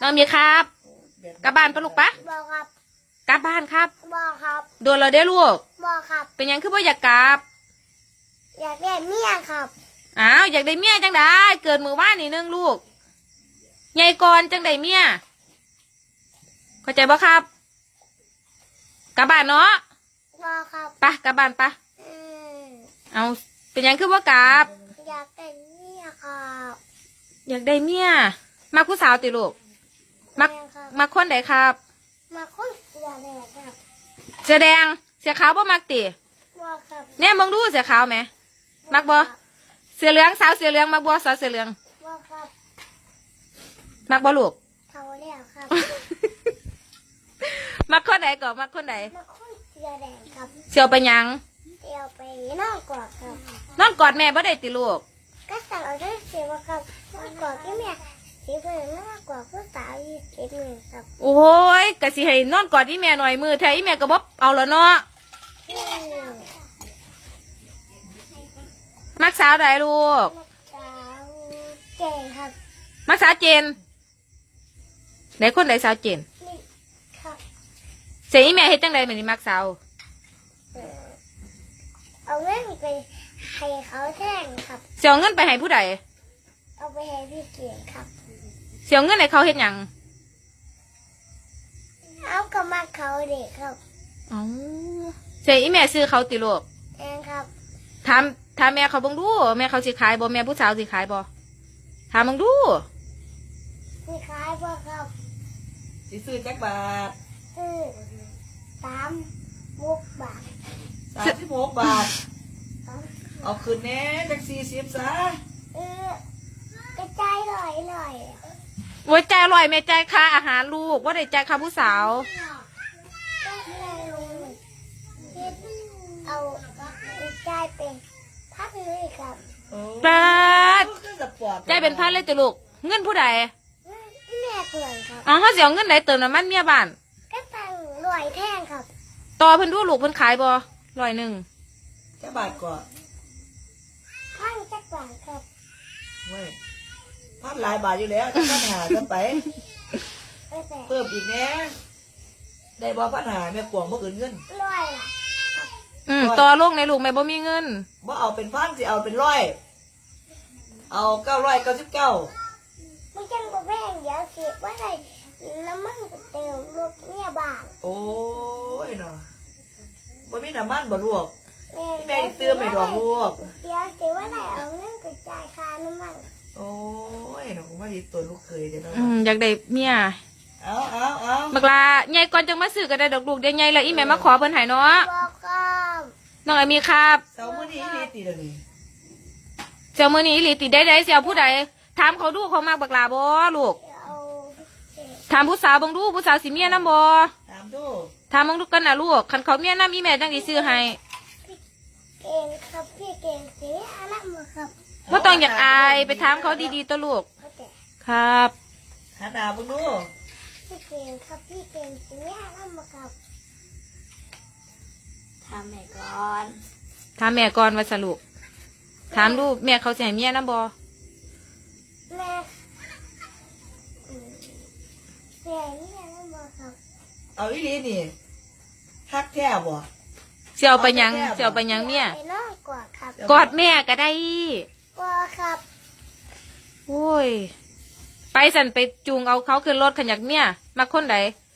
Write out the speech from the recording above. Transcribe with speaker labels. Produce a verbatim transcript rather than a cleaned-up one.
Speaker 1: น้องมีครับกลับบ้านปะลูกปะ
Speaker 2: บอกครับ
Speaker 1: กลับบ้านครับ
Speaker 2: บอกครับ
Speaker 1: โดนเราได้ลูก
Speaker 2: บอกครับ
Speaker 1: เป็นยังคือว่าอยากกลับ
Speaker 2: อยากได้เมียครับ
Speaker 1: อ้าวอยากได้เมียจังได้เกิดมือว่านนี่นึงลูกใหญ่ก่อนจังได้เมียเข้าใจบ่ครับกลับบ้านเนาะ
Speaker 2: บอกครับ
Speaker 1: ปะกลับบ้านปะ
Speaker 2: อืม
Speaker 1: เอาเป็นยังคือว่ากลับ
Speaker 2: อยากได้เมียครับ
Speaker 1: อยากได้เมียมาผู้สาวติลูกมัก
Speaker 2: แม่ครับ
Speaker 1: มาคนใดครับ
Speaker 2: มาคนเสือแดงครับ
Speaker 1: เสื้อแดงเสื้อขาวบ่มักติ
Speaker 2: บอกครับ
Speaker 1: เนี่ยมึงดูเสื้อขาวไหมมักบ่เสื้อเหลืองสาวเสื้อเหลืองมักบ่สาวเสื้อเหลือง
Speaker 2: บอกครับ
Speaker 1: มักบ่ลูก
Speaker 2: เท่าแล้วครับ
Speaker 1: มักคนไหนก่อนมักคนไหน
Speaker 2: มาคนเสือแดงครับ
Speaker 1: เสียวไปหยัง
Speaker 2: เดี๋ยวไปนอกกอดครับ
Speaker 1: นอนกอดแม่บ่ได้ติลูก
Speaker 2: ก็สั่งเอาได้เสียว่าครับนอกกอดที่แม่สีเพื่อนมากกว่าผู้สาวยี่สิบหนึ่งครับ
Speaker 1: โอ้ยกะสิให้นอนกอดอีแม่หน่อยมือแท้อีแม่ก็บ่เอาแล้วเนาะ
Speaker 2: อืม
Speaker 1: มักสาวใดลูก
Speaker 2: สาวเก่งครับ
Speaker 1: มักสาวเจนไหนคนไหนสาวเจน
Speaker 2: นี่ครับ
Speaker 1: เสียอีแม่เฮ็ดจังได๋แม่นี่มักสาว
Speaker 2: เออเอาเงินไปให้เขาแท่งครับ
Speaker 1: เสียเงินไปให้ผู้ใด
Speaker 2: เอาไปให้พี่เก่งครับ
Speaker 1: เสียเงินให้เขาเฮ็ดหยัง
Speaker 2: เอากระมาเขาเด็กครับ
Speaker 1: อ๋อเสียอีแม่ซื้อเขาติลูก
Speaker 2: เองครับ
Speaker 1: ถามถามแม่เขาเบิ่งดูแม่เขาสิขายบ่แม่ผู้สาวสิขายบ่ถามเบิ่งดู
Speaker 2: มีขายบ่ครับ
Speaker 3: สิซื้อจักบาท
Speaker 2: คือสามมุกบาท
Speaker 3: สามสิบหกบาท
Speaker 2: ครับ
Speaker 3: เอาคืนแน่จักสี่สิบซะ
Speaker 2: เออกระจายหน่อยหน่อย
Speaker 1: โอ้ยใจายอร่อยแม่ใจายค่าอาหารลูกว่าได้ใจายค่าผู้สาว
Speaker 2: ก็เลยลงคิดเอากระจายเป็นพักเลยครับ
Speaker 3: โอ้
Speaker 1: ปาด
Speaker 3: คือสปอร์ต
Speaker 1: ใจายเป็นพันเลยติลูกเงินผู้ใด
Speaker 2: แม่เพื่อนครับ
Speaker 1: อ๋อเขาสิเอาเงินไหนเติมน้ำมันเมียบ้าน
Speaker 2: ก็ตั้งรวยแท่งครับ
Speaker 1: ต่อเพิ่นดูลูกเพิ่นขายบ่ร้อยหนึ่ง
Speaker 3: จักบาทก่อน
Speaker 2: พันจักบาทครับ
Speaker 3: เว้ยพันหลายบาทอยู่แล้วจักพันหากันไป
Speaker 2: เออแต่
Speaker 3: เพิ่มอีกแน่ได้บ่พันหาแม่กวงบ่อื่นเงิน
Speaker 2: รวยล่ะ
Speaker 1: อืมต่อลงในลูกแม่บ่มีเงิน
Speaker 3: บ่เอาเป็นพันสิเอาเป็นร้อยเอาเก้าร้อยเก้าสิบเก้า
Speaker 2: มันจังบ่แพงเดี๋ยวสิว่าไรน้ำมันก็เติมรถเนี่ยบาท
Speaker 3: โอ้ยเนาะบ่มีน้ำมันบ่ลวก
Speaker 2: แม่
Speaker 3: แม่เติมไม่ดอกลวก
Speaker 2: เดี๋ยวสิว่าไรเอาเงินกระจายค่าน้ำมัน
Speaker 3: โอ้ยเนาะผมว่าดีตัวลูกเคยเด้อเนาะ
Speaker 1: อืมอยากได้เมีย
Speaker 3: เอาเอาเอา
Speaker 1: บักลาใหญ่ก่อนจังมาซื้อก็ได้ดอกลูกเดี๋ยวใหญ่แล้วอีแม่มาขอเพิ่นให้เนาะ
Speaker 2: บอกครับ
Speaker 1: น้องไอมีครับ
Speaker 3: เสาร์มื้อนี้อีหลีติเด้อนี่
Speaker 1: เสี่ยวมื้อนี้อีหลีติได้ได้เสี่ยวผู้ใดถามเขาดูเขามักบักลาบ่ลูก
Speaker 2: เดี๋ยวเอาเศษ
Speaker 1: ถามผู้สาวเบิ่งดูผู้สาวสิเมียนำบ่
Speaker 3: ตามดู
Speaker 1: ถามเบิ่งดูกันน่ะลูกคันเขาเมียนำอีแม่จังสิซื้อให้
Speaker 2: เก่งครับพี่เก่งสีอะไรมาครับ
Speaker 1: บ่ต้องอยากอายไปถามเขาดีๆตัวลูก
Speaker 2: เขาแต่
Speaker 1: ครับ
Speaker 3: หาดาวเบิ่งดู
Speaker 2: พี่เก่งครับพี่เก่งสีอะไรมาครับทำไหนก่อน
Speaker 1: ถามแม่ก่อนว่าสรุปถามดูแม่เขาสิให้เมียนำบ่
Speaker 2: แม่อืมเสียนี่อะไรมาครับ
Speaker 3: เอาอีหลีนี่ฮักแท้บ่
Speaker 1: สิเอาไปหยังสิเอาไปหยังเมีย
Speaker 2: ไปนอนกอดครับ
Speaker 1: กอดแม่ก็ได้
Speaker 2: กอดครับ
Speaker 1: โอ้ย ไปสั่นไปจูงเอาเขาขึ้นรถขันอยากเมียมาคนใด